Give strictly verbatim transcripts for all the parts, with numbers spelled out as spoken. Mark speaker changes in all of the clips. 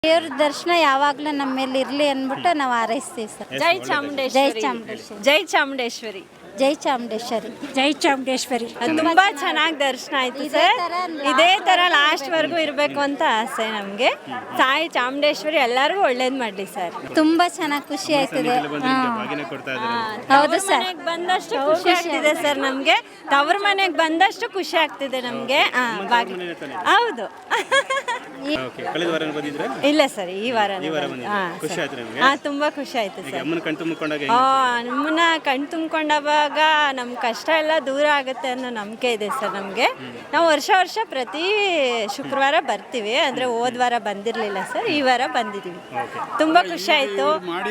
Speaker 1: ದೇವ್ರ ದರ್ಶನ ಯಾವಾಗಲೂ ನಮ್ಮ ಮೇಲೆ ಇರಲಿ ಅಂದ್ಬಿಟ್ಟು ನಾವು ಹಾರೈಸ್ತೀವಿ ಸರ್.
Speaker 2: ಜೈ
Speaker 1: ಜೈ
Speaker 2: ಚಾಮುಂಡೇಶ್ವರಿ.
Speaker 1: ಚಾಮುಂಡೇಶ್ವರಿ.
Speaker 2: ಜೈ ಚಾಮುಂಡೇಶ್ವರಿ.
Speaker 1: ಜೈ ಚಾಮುಂಡೇಶ್ವರಿ.
Speaker 3: ಜೈ ಚಾಮುಂಡೇಶ್ವರಿ.
Speaker 2: ತುಂಬಾ ಚೆನ್ನಾಗಿ ದರ್ಶನ ಆಯ್ತು ಸರ್. ಇದೇ ತರ ಲಾಸ್ಟ್ ವರ್ಗೂ ಇರಬೇಕು ಅಂತ ಆಸೆ ನಮ್ಗೆ. ತಾಯಿ ಚಾಮುಂಡೇಶ್ವರಿ ಎಲ್ಲರಿಗೂ ಒಳ್ಳೇದ್ ಮಾಡ್ಲಿ ಸರ್.
Speaker 1: ತುಂಬಾ ಚೆನ್ನಾಗಿ ಖುಷಿ ಆಯ್ತದೆ. ಹೌದು ಸರ್.
Speaker 2: ಮನೆಗೆ ಬಂದಷ್ಟು ಖುಷಿ ಆಗ್ತಿದೆ ಸರ್ ನಮ್ಗೆ. ತವ್ರ ಮನೆಗೆ ಬಂದಷ್ಟು ಖುಷಿ ಆಗ್ತಿದೆ ನಮ್ಗೆ. ಹೌದು. ಇಲ್ಲ ಸರ್, ಈ ವಾರ ತುಂಬಾ ಖುಷಿ ಆಯ್ತು ಸರ್. ನಮ್ಮನ್ನ ಕಣ್ ತುಂಬ್ಕೊಂಡಾಗ ನಮ್ ಕಷ್ಟ ಎಲ್ಲ ದೂರ ಆಗುತ್ತೆ ಅನ್ನೋ ನಂಬಿಕೆ ಇದೆ ಸರ್ ನಮ್ಗೆ. ನಾವು ವರ್ಷ ವರ್ಷ ಪ್ರತಿ ಶುಕ್ರವಾರ ಬರ್ತೀವಿ. ಅಂದ್ರೆ ಹೋದ್ ವಾರ ಬಂದಿರ್ಲಿಲ್ಲ ಸರ್, ಈ ವಾರ ಬಂದಿದೀವಿ. ತುಂಬಾ ಖುಷಿ ಆಯ್ತು.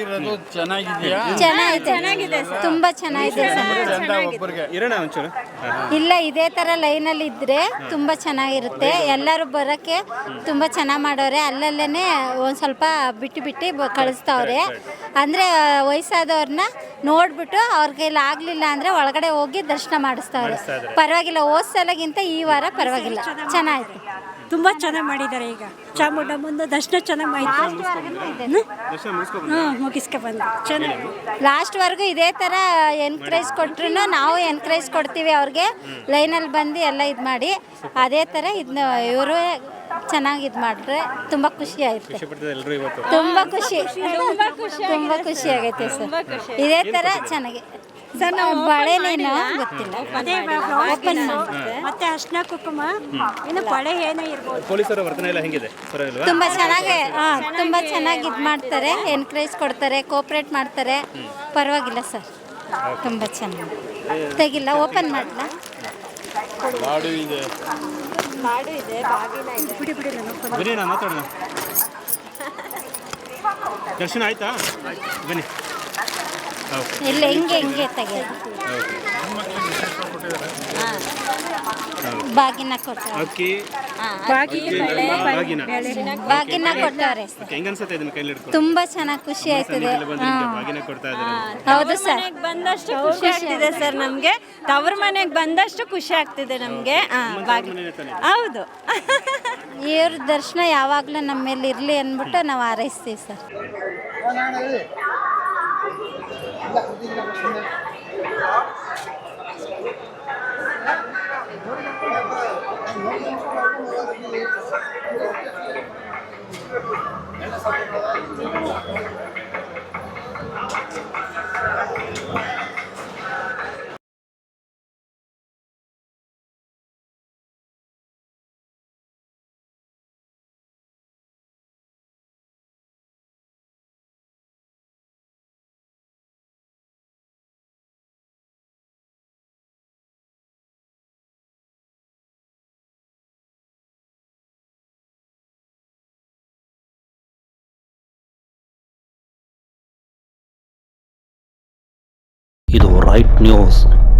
Speaker 1: ಚೆನ್ನಾಗಿದೆ ಸರ್, ತುಂಬಾ ಚೆನ್ನಾಗಿದೆ ಸರ್. ಇಲ್ಲ, ಇದೇ ತರ ಲೈನ್ ಅಲ್ಲಿ ಇದ್ರೆ ತುಂಬಾ ಚೆನ್ನಾಗಿರುತ್ತೆ. ಎಲ್ಲರೂ ಬರಕ್ಕೆ ತುಂಬಾ ಚೆನ್ನಾಗಿ ಮಾಡೋರೆ. ಅಲ್ಲಲ್ಲೇನೆ ಒಂದ್ ಸ್ವಲ್ಪ ಬಿಟ್ಟು ಬಿಟ್ಟು ಕಳಿಸ್ತಾವ್ರೆ. ಅಂದ್ರೆ ವಯಸ್ಸಾದವ್ರನ್ನ ನೋಡ್ಬಿಟ್ಟು ಅವ್ರ ಕೈಲಿ ಆಗ್ಲಿಲ್ಲ ಅಂದ್ರೆ ಒಳಗಡೆ ಹೋಗಿ ದರ್ಶನ ಮಾಡಿಸ್ತಾವ್ರೆ. ಪರವಾಗಿಲ್ಲ, ಹೋದ್ ಸಲಗಿಂತ ಈ ವಾರ ಪರವಾಗಿಲ್ಲ, ಚೆನ್ನಾಯ್ತು.
Speaker 3: ತುಂಬಾ ಚೆನ್ನಾಗಿ ಮಾಡಿದ್ದಾರೆ. ಈಗ ಚಾಮುಂಡಮ್ಮನ ದರ್ಶನ ಚೆನ್ನಾಗಿ ಆಯ್ತು. ಹ್ಞೂ ಮುಗಿಸ್ಕೊ ಬಂದು ಚೆನ್ನಾಗಿ
Speaker 1: ಲಾಸ್ಟ್ ವರ್ಗು ಇದೇ ಥರ ಎನ್ಕರೇಜ್ ಕೊಟ್ರು ನಾವು ಎನ್ಕರೇಜ್ ಕೊಡ್ತೀವಿ ಅವ್ರಿಗೆ. ಲೈನಲ್ಲಿ ಬಂದು ಎಲ್ಲ ಇದು ಮಾಡಿ ಅದೇ ಥರ ಇದನ್ನ ಇವರು ಚೆನ್ನಾಗಿ ಇದು ಮಾಡಿದ್ರೆ ತುಂಬ ಖುಷಿ ಆಯ್ತು. ತುಂಬ ಖುಷಿ ತುಂಬ ಖುಷಿ ಆಗೈತೆ ಸರ್. ಇದೇ ಥರ ಚೆನ್ನಾಗಿ ಸರ್. ನಾವು ಬಳೆನೇನೋ ಗೊತ್ತಿಲ್ಲ,
Speaker 3: ಅದೇ ಓಪನ್ ಮತ್ತೆ ಅರ್ಶಿನ ಕುಂಕುಮ ಇನ್ನು ಬಳೆ ಏನೋ ಇರ್ಬೋದು.
Speaker 4: ಪೊಲೀಸರ ವರ್ತನೆ ಎಲ್ಲ ಹೆಂಗಿದೆ?
Speaker 1: ತುಂಬ ಚೆನ್ನಾಗಿ ಹಾಂ ತುಂಬ ಚೆನ್ನಾಗಿ ಇದು ಮಾಡ್ತಾರೆ, ಎನ್ಕರೇಜ್ ಕೊಡ್ತಾರೆ, ಕೋಪ್ರೇಟ್ ಮಾಡ್ತಾರೆ. ಪರವಾಗಿಲ್ಲ ಸರ್, ತುಂಬ ಚೆನ್ನಾಗಿ. ತೆಗಿಲ್ಲ, ಓಪನ್ ಮಾಡಲ.
Speaker 4: ಲಾಡು ಇದೆ,
Speaker 2: ಲಾಡು ಇದೆ, ಬಾಗಿಲ ಇದೆ.
Speaker 3: ಬಿಡಿ ಬಿಡಿ
Speaker 4: ಬನ್ನಿ ನಾ ಮಾತಾಡೋಣ. ದರ್ಶನ ಆಯ್ತಾ? ಬನ್ನಿ.
Speaker 1: ಇಲ್ಲ, ಹಿಂಗೆ ಹಿಂಗೆ ತೆಗಿಯೋದು. ಬಾಗಿನ ಕೊಡ್ತಾರೆ,
Speaker 4: ಅಕ್ಕಿ
Speaker 1: ಬಾಗಿನ ಕೊಡ್ತಾರೆ. ತುಂಬಾ ಚೆನ್ನಾಗಿ ಖುಷಿ ಆಯ್ತದೆ. ಹೌದು ಸರ್.
Speaker 2: ಬಂದಷ್ಟು ಖುಷಿ ಆಗ್ತಿದೆ ಸರ್ ನಮ್ಗೆ. ತವ್ರ ಮನೆಗೆ ಬಂದಷ್ಟು ಖುಷಿ ಆಗ್ತಿದೆ ನಮ್ಗೆ. ಹೌದು.
Speaker 1: ದೇವ್ರ ದರ್ಶನ ಯಾವಾಗಲೂ ನಮ್ಮ ಮೇಲೆ ಇರಲಿ ಅಂದ್ಬಿಟ್ಟು ನಾವು ಹಾರೈಸ್ತೀವಿ ಸರ್.
Speaker 5: ಇದು ರೈಟ್ ನ್ಯೂಸ್.